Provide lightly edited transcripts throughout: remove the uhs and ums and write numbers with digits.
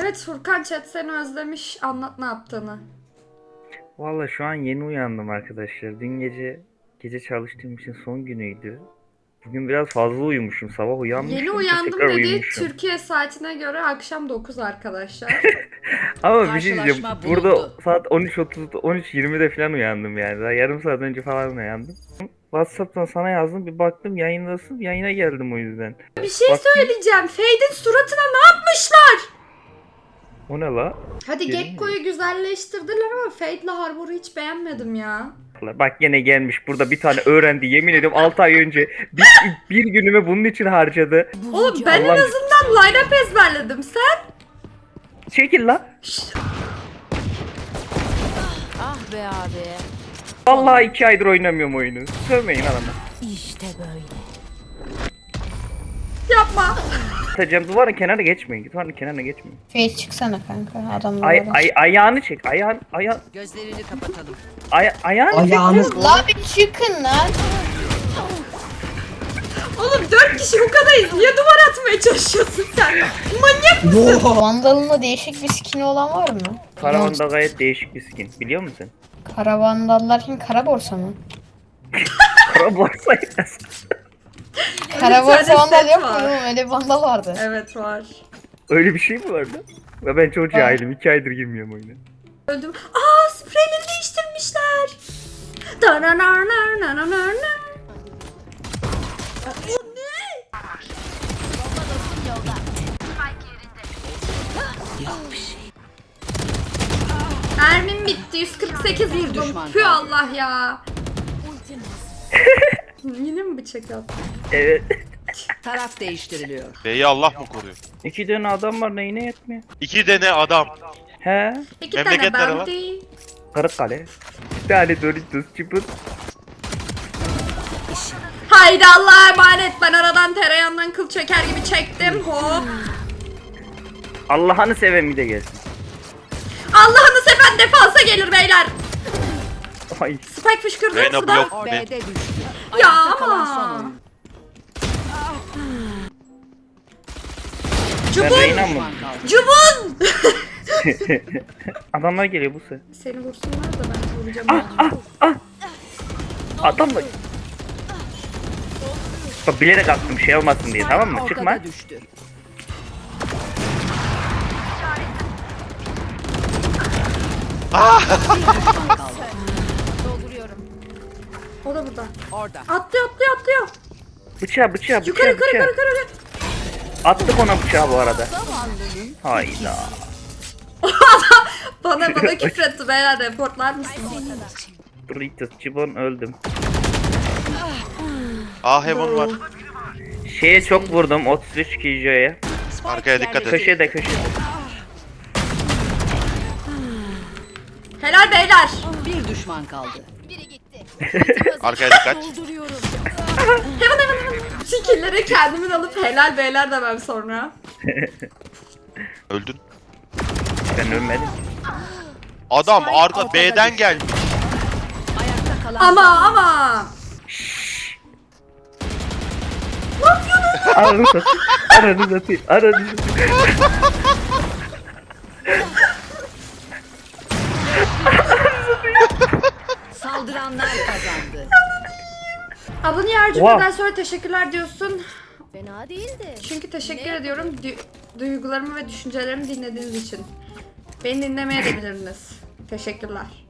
Evet Furkan, chat seni özlemiş. Anlat ne yaptığını. Valla şu an yeni uyandım arkadaşlar. Dün gece çalıştığım için son günüydü. Bugün biraz fazla uyumuşum. Sabah Yeni uyanmışım, uyandım tekrar dedi. uyumuşum. Türkiye saatine göre akşam 9 arkadaşlar. Ama bir şey diyeceğim. Karşılaşma Burada bulundu. saat 13.30, 13.20'de falan uyandım yani. Daha yarım saat önce falan uyandım. WhatsApp'tan sana yazdım. Bir baktım yayındasın. Yayına geldim o yüzden. Bir şey Bak- söyleyeceğim. Fade'in suratına ne yapmışlar? O ne la? Hadi Gelin Gekko'yu güzelleştirdiler ama Fade'le Harbor'u hiç beğenmedim ya. Bak yine gelmiş burada bir tane öğrendi. Yemin ediyorum 6 ay önce bir günümü bunun için harcadı. Oğlum ben en Allah'ım. azından line-up ezberledim. Sen? Çekil la. Ah be abi. Vallahi 2 aydır oynamıyorum oyunu. Sövmeyin adamı. İşte böyle. Yapma. Atacağım duvarın kenarına geçmeyin. Duvarın kenarına geçmeyin. Face çıksana kanka adamlar. Ayağını çek. Gözlerini kapatalım. Ayağını çek. La bir çıkın lan. Oğlum 4 kişi bu kadarız. Niye duvar atmaya çalışıyorsun sen? Manyak mısın? Vandal'ın değişik bir skin'i olan var mı? Karavanda gayet değişik bir skin. Biliyor musun? Kara Vandallar kim? Kara borsa mı? Kara borsaydı. Kara Bir borsa tane vandal set yok mu? var. Oğlum? Öyle bir vandal vardı. Evet var. Öyle bir şey mi vardı? Ve ben çok cahilim. 2 aydır girmiyorum oyuna. Öldüm. Aa, spreyleri değiştirmişler. Dananarnarnarnarnar. Mermim bitti. 148 vurdum. düşman Pü kaldı. Allah ya. Yine mi bıçak attın? Evet. Taraf değiştiriliyor. B'yi Allah mı koruyor? 2 tane adam var neyine yetmiyor? 2 tane adam. He? 2 Memleket tane nere lan? bounty. Kırıkkale. Bir tane Doritos çıpır. Haydi Allah'a emanet. Ben aradan tereyağından kıl çeker gibi çektim. Hop. Allah'ını seven bir de gelsin. Allah'ını seven defansa gelir beyler. Ay. Spike fışkırdı Reyna şurada. blok ne? B'de düştü. Ya Ayakta kalan son ama. oyun. Ben Cubun. Reyna mı? Düşman kaldı. Cubun. Adamlar geliyor bu sefer. Seni vursunlar da ben vuracağım. Adamlar. Bak bilerek attım şey olmasın diye tamam mı? Çıkma. Ortada düştü. Düşman kaldı. O da burada. Orada. Atlıyor. Bıçağı. Yukarı. Attık ona bıçağı bu arada. Hayda. Bana küfretti beyler, reportlar mısınız? Doritos çıbon öldüm. A Heaven var. Şeye çok vurdum 33 Kijo'ya. Arkaya dikkat et. Köşede. Helal beyler. Bir düşman kaldı. Arkaya dikkat. Hemen. Skill'leri kendimin alıp helal beyler demem sonra. Öldün. Ben ölmedim. Adam Spike arka ortada B'den düştü. gelmiş. Ayakta kalan Ama. Aranı satayım. saldıranlar kazandı. Abone her cümleden sonra teşekkürler diyorsun. Fena değildi. Çünkü teşekkür ediyorum duygularımı ve düşüncelerimi dinlediğiniz için. Beni dinlemeye de bilirsiniz. Teşekkürler.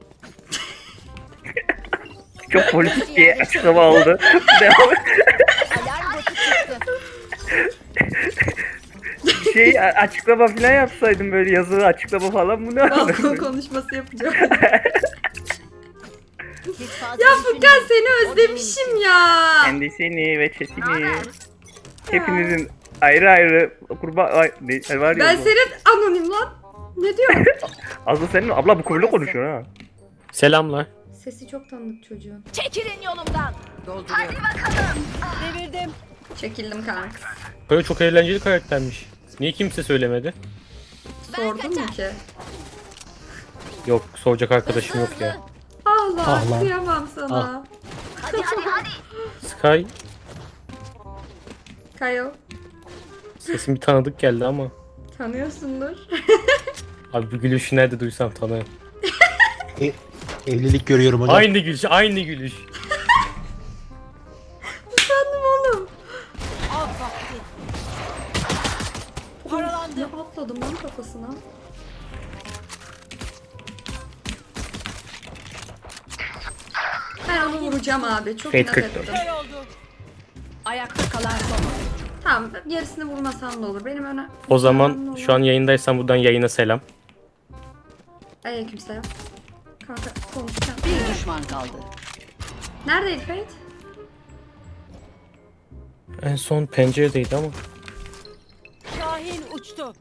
Çok politik bir açıklama oldu. Devam et. Alarm botu çıktı. Açıklama falan yapsaydım böyle yazılı açıklama falan bu ne? Balkon konuşması yapacağım. Siz fazla Ya Furkan seni özlemişim ya. Kendisini ve chatini. Hepinizin ayrı kurban var ya. Ben bu. senin anonim lan. Ne diyorsun? Aslı senin abla bu konuyla konuşuyor ha. Selamlar. Sesi çok tanıdık çocuğun. Çekilin yolumdan. Dolduruyorum. Devirdim. Çekildim kanka. Böyle çok eğlenceli karaktermiş. Niye kimse söylemedi? Sordun mu ki? Yok, soracak arkadaşım yok ya. Allah Ah lan. kıyamam sana. Sky, Kayo. sesin bir tanıdık geldi ama. Tanıyorsundur. Abi bu gülüşü nerede duysam tanırım. Evlilik görüyorum hocam. Aynı gülüş, aynı gülüş. Utandım oğlum. Av vakti. Paralandı. Ne atladım lan kafasına. Ben onu vuracağım abi. Çok Fate inat 44. ettim. Kör oldu. Ayakta kalan son oyuncu. Tamam, yarısını vurmasam da olur. Benim öne... O zaman şu an yayındaysan buradan yayına selam. Aleykümselam. Kanka konuşacağım. Bir düşman kaldı. Neredeydi Fate? En son penceredeydi ama. Şahin uçtu.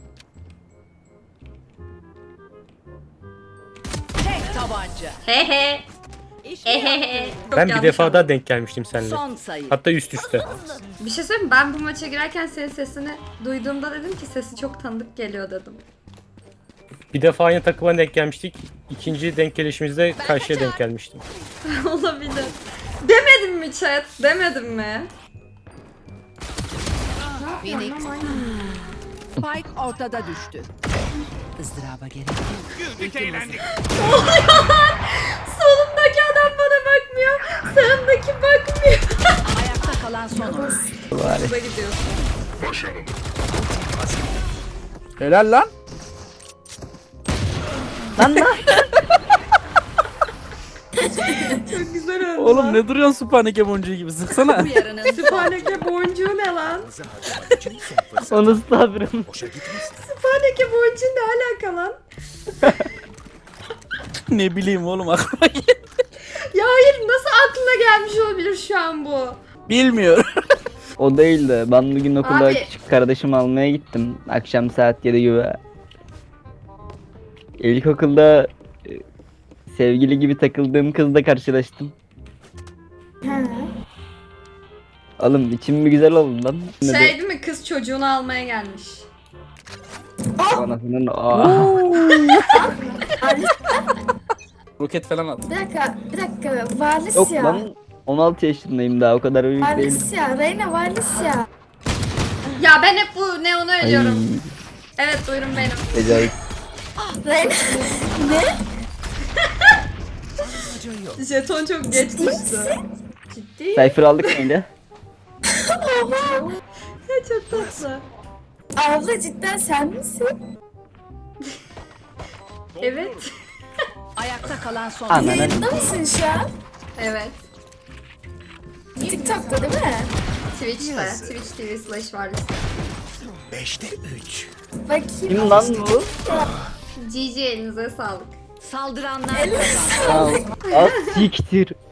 Tek tabanca. He he. İş He mi he yaptın? he. Çok Ben bir yanlış defa anladım. daha denk gelmiştim seninle. Son sayı. Hatta üst üste. Bir şey söyleyeyim mi? Ben bu maça girerken senin sesini duyduğumda dedim ki sesi çok tanıdık geliyor dedim. Bir defa aynı takıma denk gelmiştik. İkinci denk gelişimizde karşıya denk gelmiştim. Olabilir. Demedim mi chat? Demedim mi? Phoenix. Spike ortada düştü. Izdıraba gerek yok. Solumdaki adam bana bakmıyor. Sağımdaki bakmıyor. Ayakta kalan son oyuncu. Hızla gidiyorsun. Helal lan. Çok güzel oldu. Oğlum ne duruyorsun Sübhaneke boncuğu gibi sıksana. Bu yarının son. Sübhaneke boncuğu ne lan? Onu ısladım. Sübhaneke boncuğu ne alaka lan? Ne bileyim oğlum aklıma geldi. Ya hayır, nasıl aklına gelmiş olabilir şu an bu? Bilmiyorum. O değil de ben bugün okula Abi. küçük kardeşimi almaya gittim. Akşam saat 7 gibi. İlkokulda sevgili gibi takıldığım kızla karşılaştım. Oğlum içim bir güzel oldu lan. Ne Şey değil mi, kız çocuğunu almaya gelmiş. Anasının aa. Roket falan at. Bir dakika. Valis Yok ya. lan 16 yaşındayım daha o kadar büyük değilim. Valis ya. Reyna Valis ya. Ya ben hep bu Neon'u Ay, ölüyorum. Evet, buyurun benim. acayip. Reyna. Jeton çok geç düştü. Ciddi. Cypher aldık mıydı? Ya çok tatlı. Abla cidden sen misin? Evet. Ayakta kalan son Ananı. oyuncu. Yayında mısın şu an? Evet. TikTok'ta değil mi? Twitch'te. Twitch TV/Varlis. Bakayım. Kim lan bu? GG, elinize sağlık. Saldıranlar kazandı. Al. Az siktir.